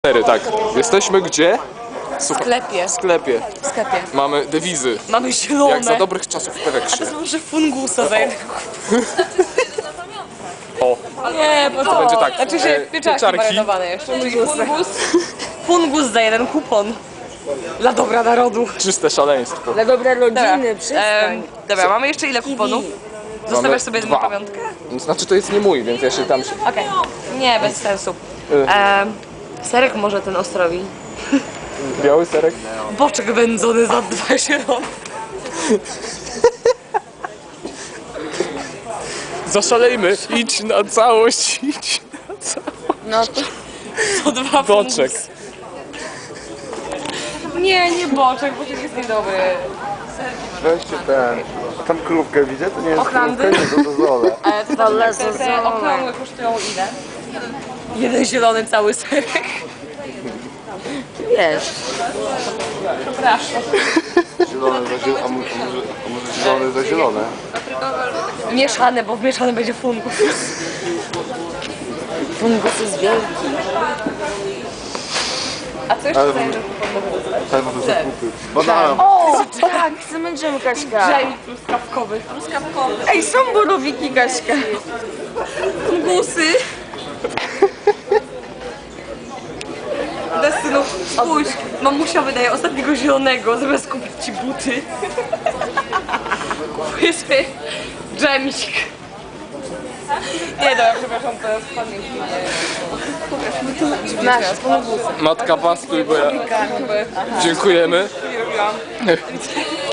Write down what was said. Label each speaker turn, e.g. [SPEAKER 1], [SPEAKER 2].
[SPEAKER 1] Tak, jesteśmy gdzie?
[SPEAKER 2] W sklepie.
[SPEAKER 1] W sklepie.
[SPEAKER 2] W sklepie.
[SPEAKER 1] Mamy dewizy.
[SPEAKER 2] Mamy zielone.
[SPEAKER 1] Jak za dobrych czasów w Peweksie.
[SPEAKER 2] To są może fungusowe.
[SPEAKER 1] O,
[SPEAKER 2] Nie, bo to
[SPEAKER 1] będzie tak.
[SPEAKER 2] Znaczy się pieczarki marynowane jeszcze. Fungus za jeden kupon. Dla dobra narodu.
[SPEAKER 1] czyste szaleństwo.
[SPEAKER 3] Dla dobra rodziny,
[SPEAKER 2] Dobra,
[SPEAKER 3] przestań.
[SPEAKER 2] dobra, mamy jeszcze ile kuponów? Zostawiasz sobie jedną
[SPEAKER 1] 2.
[SPEAKER 2] pamiątkę?
[SPEAKER 1] Znaczy to jest nie mój, więc ja się tam...
[SPEAKER 2] Okej. Nie, bez sensu. Serek może ten Ostrowi.
[SPEAKER 1] Biały serek?
[SPEAKER 2] Boczek wędzony za 2 zielone.
[SPEAKER 1] Zaszalejmy. Idź na całość, idź na całość.
[SPEAKER 3] No to
[SPEAKER 2] To 2
[SPEAKER 1] Boczek.
[SPEAKER 2] Nie boczek, boczek jest niedobry.
[SPEAKER 4] Weźcie ten. A tam krówkę widzę? To nie jest
[SPEAKER 2] Ochlandy?
[SPEAKER 4] krówka, nie to dozole.
[SPEAKER 2] Te okrągłe kosztują ile? Jeden zielony cały serek.
[SPEAKER 3] wiesz.
[SPEAKER 2] Przepraszam.
[SPEAKER 4] Zielone za zielone, a może zielone za zielone?
[SPEAKER 2] Mieszane, bo w mieszane będzie fungus.
[SPEAKER 3] Fungus jest wielki.
[SPEAKER 2] A co jeszcze
[SPEAKER 4] Ale
[SPEAKER 2] zajmie?
[SPEAKER 4] Tak, bo to są kupy. Banana.
[SPEAKER 3] O, tak, chcemy dżem, Kaśka.
[SPEAKER 2] Dżem truskawkowy.
[SPEAKER 3] Ej, są borowiki, Kaśka.
[SPEAKER 2] Fungusy. Destynu, spójrz, mamusia wydaje ostatniego zielonego, zamiast kupić ci buty. Kupuję sobie dżemik. Nie, dobra, przepraszam, to jest pamięć.
[SPEAKER 3] Nasz fungusy.
[SPEAKER 1] Matka pastuj, bo ja... Dziękujemy.
[SPEAKER 2] Nie robiłam.